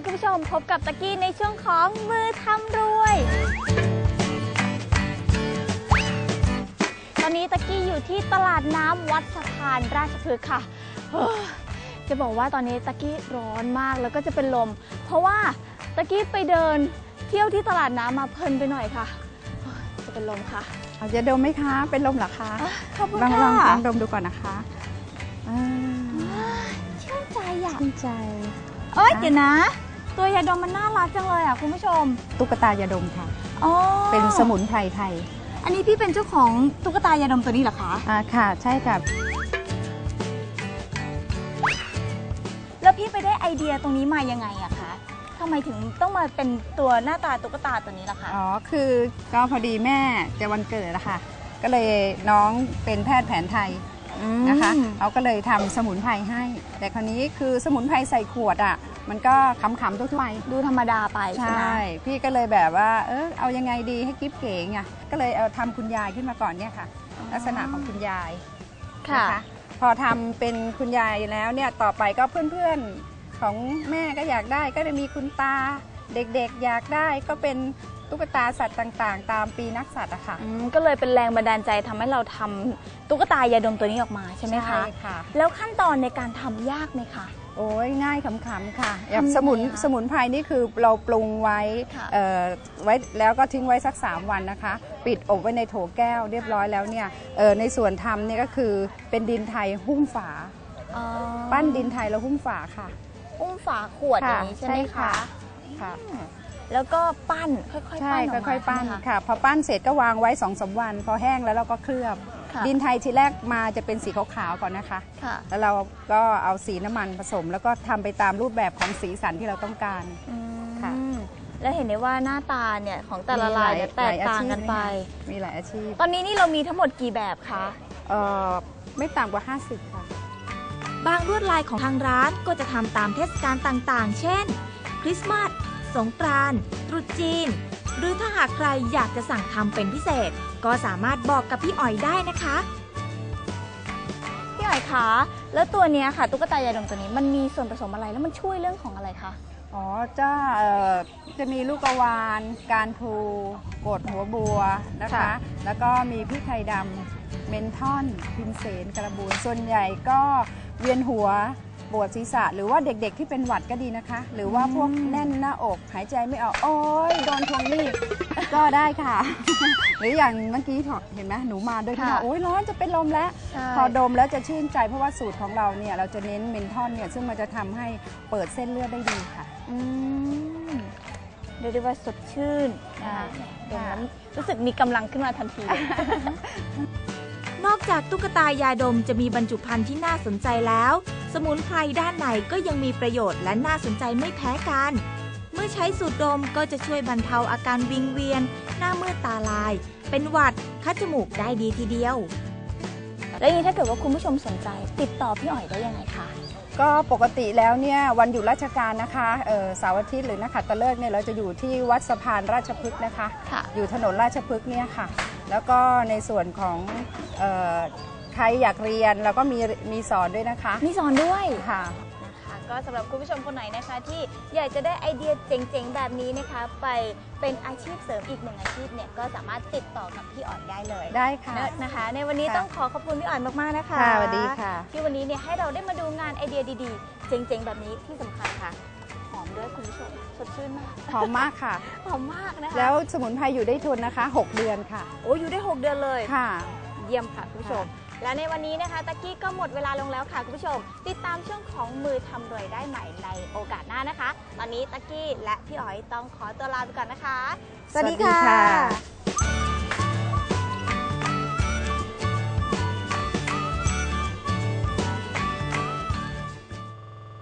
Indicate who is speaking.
Speaker 1: คุณผู้ชมพบกับตะกี้ในช่วงของมือทำรวยตอนนี้ตะกี้อยู่ที่ตลาดน้ำวัดสะพานราชพฤกษ์ค่ะจะบอกว่าตอนนี้ตะกี้ร้อนมากแล้วก็จะเป็นลมเพราะว่าตะกี้ไปเดินเที่ยวที่ตลาดน้ำมาเพลินไปหน่อยค่ะจะเป็นลมค่ะ
Speaker 2: จะดมไหมคะเป็นลมเหรอคะ
Speaker 1: ขอบคุณ
Speaker 2: ค่ะลองดมดูก่อนนะคะ
Speaker 1: ชื่นใจอยาก
Speaker 2: ชื่นใจ
Speaker 1: เดี๋ยวนะตัวยาดมมันน่ารักจังเลยอ่ะคุณผู้ชม
Speaker 2: ตุ๊กตายาดมค่ะเป็นสมุนไพรไทย
Speaker 1: อันนี้พี่เป็นเจ้าของตุ๊กตายาดมตัวนี้เหรอคะ
Speaker 2: ค่ะใช่ค่ะ
Speaker 1: แล้วพี่ไปได้ไอเดียตรงนี้มายังไงอะคะทำไมถึงต้องมาเป็นตัวหน้าตาตุ๊กตาตัวนี้ล่ะคะ
Speaker 2: คือก็พอดีแม่จะวันเกิดนะคะก็เลยน้องเป็นแพทย์แผนไทยนะคะเขาก็เลยทำสมุนไพรให้แต่คราวนี้คือสมุนไพรใส่ขวดอ่ะมันก็ขำๆทั่วไป
Speaker 1: ดูธรรมดาไปใช่ไหม
Speaker 2: พี่ก็เลยแบบว่าเอายังไงดีให้กิ๊บเก๋ไงก็เลยเอาทำคุณยายขึ้นมาก่อนเนี่ยค่ะลักษณะของคุณยายนะคะพอทำเป็นคุณยายแล้วเนี่ยต่อไปก็เพื่อนๆของแม่ก็อยากได้ก็จะมีคุณตาเด็กๆอยากได้ก็เป็นตุ๊กตาสัตว์ต่างๆตามปีนักสัตว์อะค่ะ
Speaker 1: ก็เลยเป็นแรงบันดาลใจทำให้เราทำตุ๊กตายาดมตัวนี้ออกมาใช่ไหมคะ
Speaker 2: ใช่ค่ะ
Speaker 1: แล้วขั้นตอนในการทำยากไหมคะ
Speaker 2: โอ้ยง่ายขำๆค่ะอย่างสมุนไพรนี่คือเราปรุงไว้แล้วก็ทิ้งไว้สัก3 วันนะคะปิดอบไว้ในโถแก้วเรียบร้อยแล้วเนี่ยในส่วนทำนี่ก็คือเป็นดินไทยหุ้มฝาปั้นดินไทยแล้วหุ้มฝาค่ะ
Speaker 1: หุ้มฝาขวดอย่างนี้ใช่ไหมคะ
Speaker 2: ค่ะ
Speaker 1: แล้วก็ปั้นค่อยๆปั้น
Speaker 2: ค่อยๆปั้นค่ะพอปั้นเสร็จก็วางไว้2-3 วันพอแห้งแล้วเราก็เคลือบดินไทยทีแรกมาจะเป็นสีขาวๆก่อนนะคะแล้วเราก็เอาสีน้ำมันผสมแล้วก็ทำไปตามรูปแบบของสีสันที่เราต้องการ
Speaker 1: ค่ะแล้วเห็นได้ว่าหน้าตาเนี่ยของแต่ละลายแตกต่างกันไป
Speaker 2: มีหลายอาชีพ
Speaker 1: ตอนนี้นี่เรามีทั้งหมดกี่แบบคะ
Speaker 2: ไม่ต่ำกว่า50ค่ะ
Speaker 3: บางลวดลายของทางร้านก็จะทำตามเทศกาลต่างๆเช่นคริสต์มาสสงกรานต์ตรุษจีนหรือถ้าหากใครอยากจะสั่งทำเป็นพิเศษก็สามารถบอกกับพี่อ๋อยได้นะคะ
Speaker 1: พี่อ๋อยคะแล้วตัวนี้ค่ะตุ๊กตายาดมตัวนี้มันมีส่วนผสมอะไรแล้วมันช่วยเรื่องของอะไรคะ
Speaker 2: จะมีลูกกระวานการพลูกดหัวบัวนะคะแล้วก็มีพริกไทยดำเมนทอนพิมเสนกระบูนส่วนใหญ่ก็เวียนหัวปวดศีรษะหรือว่าเด็กๆที่เป็นหวัดก็ดีนะคะหรือว่าพวกแน่นหน้าอกหายใจไม่ออกโอ๊ยโดนทวงหนี้ก็ได้ค่ะ หรืออย่างเมื่อกี้เห็นไหมหนูมาด้วยค่ะโอ๊ยร้อนจะเป็นลมแล้วพอดมแล้วจะชื่นใจเพราะว่าสูตรของเราเนี่ยเราจะเน้นเมนทอนเนี่ยซึ่งมันจะทำให้เปิดเส้นเลือดได้ดีค่ะ
Speaker 1: เรียกได้ว่าสดชื่นเห็นแล้วรู้สึกมีกำลังขึ้นมาทันที
Speaker 3: นอกจากตุ๊กตายาดมจะมีบรรจุภัณฑ์ที่น่าสนใจแล้วสมุนไพรด้านในก็ยังมีประโยชน์และน่าสนใจไม่แพ้กันเมื่อใช้สูตรดมก็จะช่วยบรรเทาอาการวิงเวียนหน้ามืดตาลายเป็นหวัดคัดจมูกได้ดีทีเดียว
Speaker 1: แล้วอย่างนี้ถ้าเกิดว่าคุณผู้ชมสนใจติดต่อพี่อ๋อยได้ยังไงคะ
Speaker 2: ก็ปกติแล้วเนี่ยวันหยุดราชการนะคะเสาร์อาทิตย์หรือนักขัตฤกษ์เนี่ยเราจะอยู่ที่วัดสะพานราชพฤกษ์นะคะอยู่ถนนราชพฤกษ์เนี่ยค่ะแล้วก็ในส่วนของใครอยากเรียนเราก็มีสอนด้วยนะคะ
Speaker 1: มีสอนด้วย
Speaker 2: ค่ะ
Speaker 1: ก็สำหรับคุณผู้ชมคนไหนนะคะที่อยากจะได้ไอเดียเจ๋งๆแบบนี้นะคะไปเป็นอาชีพเสริมอีก1 อาชีพเนี่ยก็สามารถติดต่อกับพี่อ๋อยได้เลย
Speaker 2: ได้ค่ะ
Speaker 1: นะคะในวันนี้ต้องขอบคุณพี่อ๋อยมากๆนะคะ
Speaker 2: สวัสดีค่ะ
Speaker 1: ที่วันนี้เนี่ยให้เราได้มาดูงานไอเดียดีๆเจ๋งๆแบบนี้ที่สำคัญค่ะหอมด้วยคุณผู้ชมสดชื่นมาก
Speaker 2: หอมมากค่ะ
Speaker 1: หอมมากนะคะ
Speaker 2: แล้วสมุนไพรอยู่ได้ทนนะคะ6 เดือนค่ะ
Speaker 1: โอ้อยู่ได้6 เดือนเลย
Speaker 2: ค่ะ
Speaker 1: เยี่ยมค่ะคุณผู้ชมและในวันนี้นะคะตะกี้ก็หมดเวลาลงแล้วค่ะคุณผู้ชมติดตามช่วงของมือทำรวยได้ใหม่ในโอกาสหน้านะคะตอนนี้ตะกี้และพี่อ๋อยต้องขอตัวลาไปก่อนนะคะ
Speaker 2: สวัสดีค่ะ